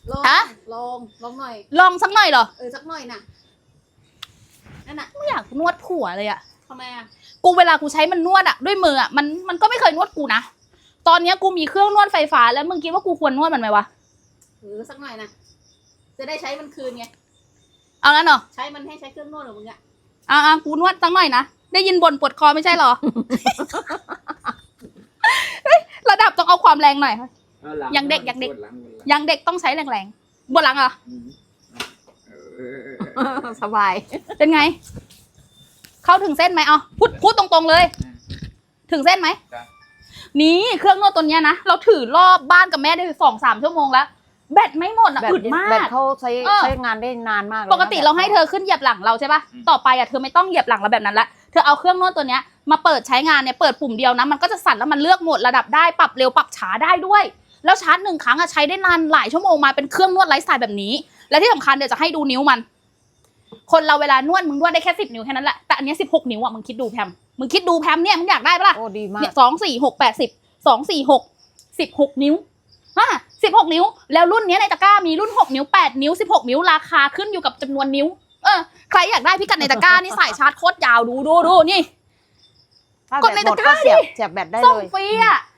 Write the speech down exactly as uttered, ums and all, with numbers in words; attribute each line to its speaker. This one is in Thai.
Speaker 1: ลง
Speaker 2: ฮะ
Speaker 1: ลงลงหน่อย
Speaker 2: ลองสักหน่อยเหรอ
Speaker 1: เออสักหน่อยน่ะนั่นน่ะ
Speaker 2: ไม่อยากนวดผัวเลยอะ
Speaker 1: ทำไมอ่ะ
Speaker 2: กูเวลากูใช้มันนวดอะด้วยมืออะมันมันก็ไม่เคยนวดกูนะตอนเนี้ยกูมีเครื่องนวดไฟฟ้าแล้วมึงคิดว่ากูควรนวดมันไหมวะ
Speaker 1: เออสักหน่อยน่ะจะได้ใช้มันคืนไง
Speaker 2: เอางั้นเหรอ
Speaker 1: ใช้มันให้ใช้เครื่องนวดของมึงอ่ะ
Speaker 2: อ่ากูนวดสักหน่อยนะได้ยินบ่นปวดคอไม่ใช่เหรอ เฮ้ยระดับต้องเอาความแรงหน่อย ยังเด็กยังเด็ก ยังเด็กต้องใช้แรงๆบนหลังเหรอ
Speaker 1: สบาย
Speaker 2: เป็นไง เข้าถึงเส้นไหมเอาพูดพูดตรงๆเลย ถึงเส้นไหมนี่เครื่องนวดตัวเนี้ยนะเราถือรอบบ้านกับแม่ได้สองสามชั่วโมงแล้วแบตไม่หมดอ่ะ
Speaker 3: แบต
Speaker 2: อึดมาก
Speaker 3: แบตเขาใช้
Speaker 2: เออ
Speaker 3: ใช้งานได้นานมากเลย
Speaker 2: ปกติ
Speaker 3: นะ
Speaker 2: เราให้เธอขึ้นเหยียบหลังเราใช่ปะต่อไปอ่ะเธอไม่ต้องเหยียบหลังเราแบบนั้นละเธอเอาเครื่องนวดตัวเนี้ยมาเปิดใช้งานเนี่ยเปิดปุ่มเดียวนะมันก็จะสั่นแล้วมันเลือกโหมดระดับได้ปรับเร็วปรับช้าได้ด้วย แล้วชาร์จหนึ่งครั้งอะใช้ได้นานหลายชั่วโมงมาเป็นเครื่องนวดไร้สายแบบนี้ และที่สำคัญเดี๋ยวจะให้ดูนิ้วมัน คนเราเวลานวดมึงนวดได้แค่สิบนิ้วแค่นั้นแหละแต่อันเนี้สิบหกนิ้วอะมึงคิดดูแพมมึงคิดดูแพมเนี่ยมึงอยากได้ปะล่ะ
Speaker 3: โอ้ดีมาก
Speaker 2: เนี่ยสองสี่หกแปดสิบสองสี่หกสิบหกนิ้วฮะสิบหกนิ้วแล้วรุ่นเนี้ยในตะกร้ามีรุ่นหกนิ้วแปดนิ้วสิบหกนิ้วราคาขึ้นอยู่กับจำนวนนิ้วเออใครอยากได้พิกัดในตะกร้านี่สายชาร์จโคตรยาวดูดูดูนี่
Speaker 3: ถ้าก
Speaker 2: ด
Speaker 3: ด
Speaker 2: ใน
Speaker 3: ใน
Speaker 2: ตะ
Speaker 3: ตะ
Speaker 2: ก
Speaker 3: ก
Speaker 2: ร้า
Speaker 3: ร้าเสียบเสียบแบตได้
Speaker 2: ส่ง
Speaker 3: เลย
Speaker 2: ฟรีอ่ะ